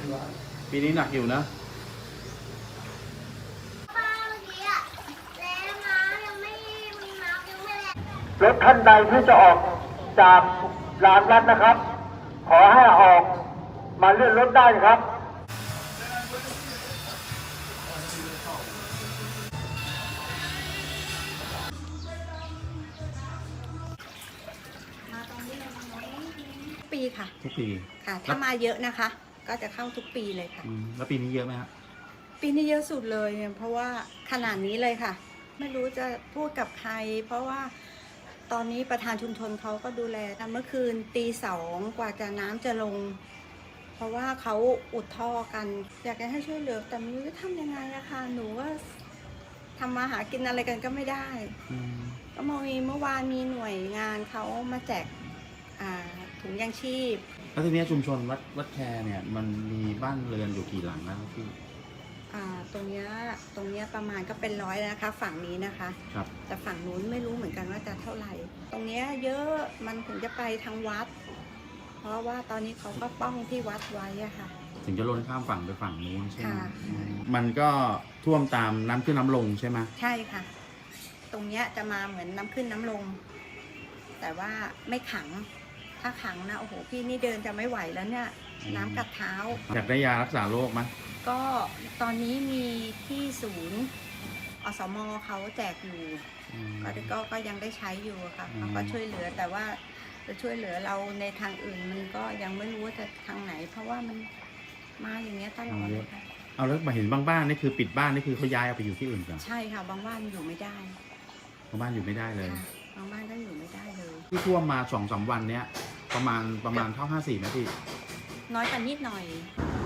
ปีนี้หนักอยู่นะรถท่านใดที่จะออกจากลานวัดนะครับ ขอให้ออกมาเลื่อนรถได้ครับปีค่ะทุกปีค่ะ ถ้ามาเยอะนะคะ ก็จะเข้าทุกปีเลยค่ะแล้วปีนี้เยอะไหมครับปีนี้เยอะสุดเลยเนี่ยเพราะว่าขนาดนี้เลยค่ะ ไม่รู้จะพูดกับใคร เพราะว่าตอนนี้ประธานชุมชนเขาก็ดูแลเมื่อคืนตี 2กว่าจะน้ำจะลง เพราะว่าเขาอุดท่อกัน อยากจะให้ช่วยเหลือแต่ไม่รู้จะทำยังไงอะค่ะหนูว่าทำมาหากินอะไรกันก็ไม่ได้ก็มีเมื่อวานมีหน่วยงานเขามาแจกถุงยางชีพแล้วทีนี้ชุมชนวัดแคเนี่ยมันมีบ้านเรือนอยู่กี่หลังแล้วพี่ตรงเนี้ยประมาณก็เป็น100แล้วนะคะฝั่งนี้นะคะครับแต่ฝั่งนู้นไม่รู้เหมือนกันว่าจะเท่าไหร่ ตรงเนี้ยเยอะมันถึงจะไปทางวัด เพราะว่าตอนนี้เขาก็ป้องที่วัดไว้อะค่ะถึงจะล้นข้ามฝั่งไปฝั่งนู้นใช่ไหมค่ะมันก็ท่วมตามน้ำขึ้นน้ำลงใช่ไหมใช่ค่ะ ตรงเนี้ยจะมาเหมือนน้ำขึ้นน้ำลง แต่ว่าไม่ขัง ถ้าขังนะโอ้โหพี่นี่เดินจะไม่ไหวแล้วเนี่ยน้ำกัดเท้าอยากได้ยารักษาโรคไหมก็ตอนนี้มีที่ศูนย์อสมเขาแจกอยู่ก็ยังได้ใช้อยู่ค่ะเขาก็ช่วยเหลือแต่ว่าจะช่วยเหลือเราในทางอื่นมันก็ยังไม่รู้ว่าจะทางไหน เพราะว่ามันมาอย่างเงี้ยตลอดเลยค่ะเอาแล้วมาเห็นบางบ้านนี่คือปิดบ้านนี่คือเขาย้ายเอาไปอยู่ที่อื่นกันใช่ค่ะบางบ้านอยู่ไม่ได้บางบ้านอยู่ไม่ได้เลยค่ะบางบ้านก็อยู่ไม่ได้เลยที่ท่วมมา2-3 วันเนี้ยประมาณเท่า54นะพี่น้อยกว่านิดหน่อย